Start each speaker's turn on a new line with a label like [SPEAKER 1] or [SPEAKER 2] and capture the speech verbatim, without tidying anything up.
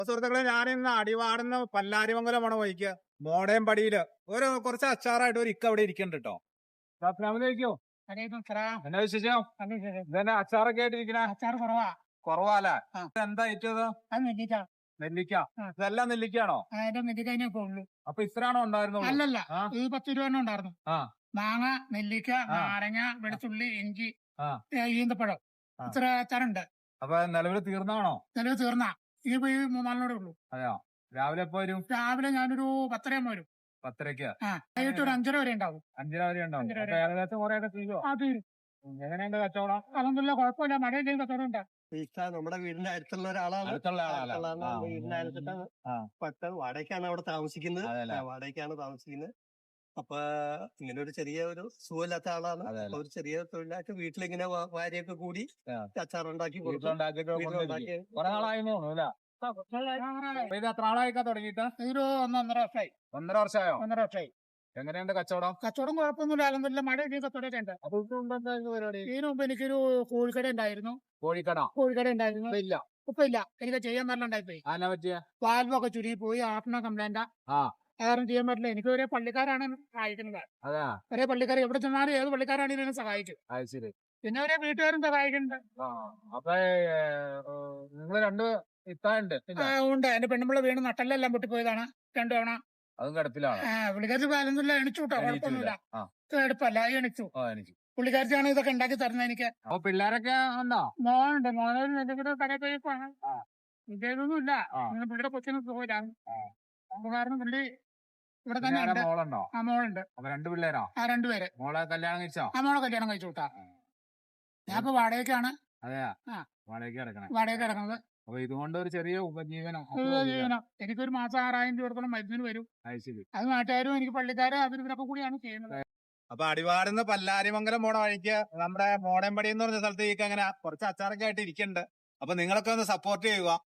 [SPEAKER 1] സുഹൃത്തുക്കളെ, ഞാനിന്ന് അടിവാടുന്ന പല്ലാരിമംഗലം പോണ വഴിക്ക് മോടയം പടിയില് ഒരു കുറച്ച് അച്ചാറായിട്ട് ഒരു ഇക്ക അവിടെ ഇരിക്കുന്നുണ്ട് കേട്ടോ. അസ്സലാമലൈക്കും. എന്നാ വിശേഷം? ഇതന്നെ അച്ചാറൊക്കെ ആയിട്ടിരിക്കണേ?
[SPEAKER 2] അച്ചാർ കുറവാ.
[SPEAKER 1] കുറവാല്ലേ?
[SPEAKER 2] ആ.
[SPEAKER 1] എന്താ ഏറ്റത്?
[SPEAKER 2] അത് നെല്ലിക്ക.
[SPEAKER 1] നെല്ലിക്ക.
[SPEAKER 2] ആ.
[SPEAKER 1] ഇതെല്ലാം നെല്ലിക്കാണോ?
[SPEAKER 2] അതിന്റെ നെല്ലിക്കതിനെ ഇപ്പൊ ഉള്ളു.
[SPEAKER 1] അപ്പൊ ഇത്രയാണോ ഉണ്ടായിരുന്നുള്ളൂ?
[SPEAKER 2] അല്ലല്ല,
[SPEAKER 1] ആ.
[SPEAKER 2] ഇത് പത്ത് രൂപ ഉണ്ടായിരുന്നു.
[SPEAKER 1] ആ.
[SPEAKER 2] മാങ്ങ, നെല്ലിക്ക,
[SPEAKER 1] ആ.
[SPEAKER 2] നാരങ്ങ, വെളുത്തുള്ളി, ഇഞ്ചി,
[SPEAKER 1] ആ.
[SPEAKER 2] ഏ, ഈന്തപ്പഴം,
[SPEAKER 1] ആ.
[SPEAKER 2] ഇത്ര അച്ചാറുണ്ട്.
[SPEAKER 1] അപ്പൊ നിലവിൽ തീർന്നാണോ?
[SPEAKER 2] നിലവ് തീർന്ന ഇനിയിപ്പോ ഈ മൂന്നാലിനോടെ ഉള്ളൂ.
[SPEAKER 1] അതെയോ? രാവിലെ എപ്പോ വരും?
[SPEAKER 2] രാവിലെ ഞാനൊരു പത്തരയാകുമ്പോ വരും.
[SPEAKER 1] പത്തരക്ക്.
[SPEAKER 2] ആ, വൈകിട്ട് ഒരു അഞ്ചര വരെ ഉണ്ടാവും.
[SPEAKER 1] അഞ്ചര വരെ ഉണ്ടാവും.
[SPEAKER 2] അഞ്ചര വരെ.
[SPEAKER 1] അപ്പൊ ഏകദേശം കുറെ ഒക്കെ തീരുവോ?
[SPEAKER 2] ആ, തീരും.
[SPEAKER 1] എങ്ങനെയുണ്ട് കച്ചവടം?
[SPEAKER 2] അതൊന്നുമില്ല, കുഴപ്പമില്ല. മഴയില്ലെങ്കിൽ കച്ചവടം ഉണ്ട്.
[SPEAKER 3] നമ്മുടെ വീടിന്റെ അടുത്തുള്ള ഒരാളാണ്.
[SPEAKER 1] അടുത്തുള്ള ആളാണ്.
[SPEAKER 3] അടുത്തുള്ളതാണ്.
[SPEAKER 1] ആ.
[SPEAKER 3] നമ്മുടെ വീടിന്റെ അടുത്തിട്ടാണ്.
[SPEAKER 1] ആ.
[SPEAKER 3] പത്ത് വാടകയ്ക്കാണ് അവിടെ താമസിക്കുന്നത്.
[SPEAKER 1] അതെല്ലേ?
[SPEAKER 3] ആ, വാടകയ്ക്കാണ് താമസിക്കുന്നത്. അപ്പൊ ഇങ്ങനെ ഒരു ചെറിയ ഒരു സുഖമില്ലാത്ത ആളാണ്.
[SPEAKER 1] അതെല്ലേ?
[SPEAKER 3] അപ്പൊ ഒരു ചെറിയ തൊഴിലായിട്ട് വീട്ടിലിങ്ങനെ വാ- ഭാര്യയൊക്കെ കൂടി
[SPEAKER 1] ആ.
[SPEAKER 3] അച്ചാറുണ്ടാക്കി കൊടുക്കും.
[SPEAKER 1] വീട്ടിലുണ്ടാക്കിയിട്ട്
[SPEAKER 3] വീട്ടിലുണ്ടാക്കി
[SPEAKER 1] കൊണ്ടുവന്നിരിക്കും. കുറെ നാളായിരുന്നു അല്ലേ? അപ്പൊ ഇത് എത്ര നാളായിക്കാ തുടങ്ങിയിട്ട്?
[SPEAKER 2] ഒരു ഒന്നൊന്നര വർഷമായി.
[SPEAKER 1] ഒന്നര വർഷമായോ?
[SPEAKER 2] ഒന്നര വർഷമായി.
[SPEAKER 1] എങ്ങനെയുണ്ട് കച്ചവടം?
[SPEAKER 2] കച്ചവടം കുഴപ്പമൊന്നുമില്ല. അല്ലെന്നില്ല, മഴ ഇല്ലെങ്കിൽ കച്ചവടമൊക്കെ ഉണ്ട്.
[SPEAKER 1] അപ്പൊ ഇതെന്താ പരിപാടി?
[SPEAKER 2] ഇതിനു മുമ്പ് എനിക്കൊരു കോഴിക്കട ഉണ്ടായിരുന്നു.
[SPEAKER 1] കോഴിക്കട
[SPEAKER 2] കോഴിക്കട ഉണ്ടായിരുന്നു.
[SPEAKER 1] ഇല്ല.
[SPEAKER 2] ഇപ്പൊ ഇല്ല. എനിക്ക് ചെയ്യാൻ നല്ല ഉണ്ടായിപ്പോയി.
[SPEAKER 1] ആന പറ്റിയ?
[SPEAKER 2] വാൽവൊക്കെ ചുരുങ്ങി പോയി. ആഫ്ന കംപ്ലൈന്റാ.
[SPEAKER 1] ആ.
[SPEAKER 2] കാരണം ചെയ്യാൻ പറ്റില്ല. എനിക്ക് ഒരേ പള്ളിക്കാരാണ് സഹായിക്കുന്നത്.
[SPEAKER 1] അതാ.
[SPEAKER 2] ഒരേ പള്ളിക്കാർ എവിടെ ചെന്നാലും ഏത് പള്ളിക്കാരാണെങ്കിലും എന്നെ സഹായിക്കും.
[SPEAKER 1] അത് ശരി.
[SPEAKER 2] പിന്നെ ഒരേ വീട്ടുകാരും സഹായിക്കുന്നുണ്ട്.
[SPEAKER 1] ആ. അപ്പൊ നിങ്ങൾ രണ്ട് ഇത്താണ്ട്
[SPEAKER 2] ആ, ഉണ്ട്. എന്റെ പെണ്ണുമ്പിള്ള വീണ് നട്ടെല്ലാം പൊട്ടിപ്പോയതാണ് രണ്ടു തവണ.
[SPEAKER 1] അതും കിടപ്പിലാണ്.
[SPEAKER 2] ആ, പുള്ളിക്കാരി ബാലൊന്നുമില്ല, എണിച്ചു കേട്ടോ. കുഴപ്പമൊന്നുമില്ല.
[SPEAKER 1] ആ.
[SPEAKER 2] എടുപ്പല്ല, എണിച്ചു.
[SPEAKER 1] ഓ, എനിക്ക്.
[SPEAKER 2] പുള്ളിക്കാരിച്ചാണ് ഇതൊക്കെ ഉണ്ടാക്കി തരുന്നത് എനിക്ക്.
[SPEAKER 1] അപ്പൊ പിള്ളേരൊക്കെ ഉണ്ടോ?
[SPEAKER 2] മോനുണ്ട്. മോനൊരു എന്തെങ്കിലും കടയിൽ പോയി കാണാം.
[SPEAKER 1] ആ.
[SPEAKER 2] ഇതൊന്നുമില്ല.
[SPEAKER 1] ആ.
[SPEAKER 2] ഇങ്ങനെ പുള്ളിയുടെ കൊച്ചിന് സുഖമില്ലാണ്.
[SPEAKER 1] ആ.
[SPEAKER 2] അപ്പൊ കാരണം പുള്ളി ഇവിടെ
[SPEAKER 1] പിന്നെ
[SPEAKER 2] തന്നെ ഉണ്ട്.
[SPEAKER 1] മോളുണ്ടോ?
[SPEAKER 2] ആ, മോളുണ്ട്.
[SPEAKER 1] അപ്പൊ രണ്ടു പിള്ളേരോ?
[SPEAKER 2] ആ, രണ്ടുപേര്.
[SPEAKER 1] മോളെ കല്യാണം കഴിച്ചോ?
[SPEAKER 2] ആ, മോളെ കല്യാണം കഴിച്ചു വിട്ടാ. ഞാൻ ഇപ്പൊ വാടകയ്ക്കാണ്.
[SPEAKER 1] അതെയാ?
[SPEAKER 2] ആ.
[SPEAKER 1] വാടകയ്ക്ക് കിടക്കണേ.
[SPEAKER 2] വാടകയ്ക്ക് കിടക്കുന്നത്.
[SPEAKER 1] അപ്പൊ ഇതുകൊണ്ട് ഒരു ചെറിയ ഉപജീവനം.
[SPEAKER 2] ഒരു ജീവനം. എനിക്കൊരു മാസം ആറായിരം രൂപ കൊടുക്കണം മരുന്നിന് വരും.
[SPEAKER 1] അത് ശരി.
[SPEAKER 2] അത് നാട്ടുകാരും എനിക്ക് പള്ളിക്കാരും അവരും ഇവരൊക്കെ കൂടിയാണ് ചെയ്യുന്നത്.
[SPEAKER 1] അപ്പൊ അടിവാടുന്ന പല്ലാരിമംഗലം പോണ വഴിക്ക് നമ്മുടെ മോടമ്പടി എന്ന് പറഞ്ഞ സ്ഥലത്തേക്ക് അങ്ങനെ കുറച്ച് അച്ചാറൊക്കെ ആയിട്ട് ഇരിക്കുന്നുണ്ട്. അപ്പൊ നിങ്ങളൊക്കെ ഒന്ന് സപ്പോർട്ട് ചെയ്യുക.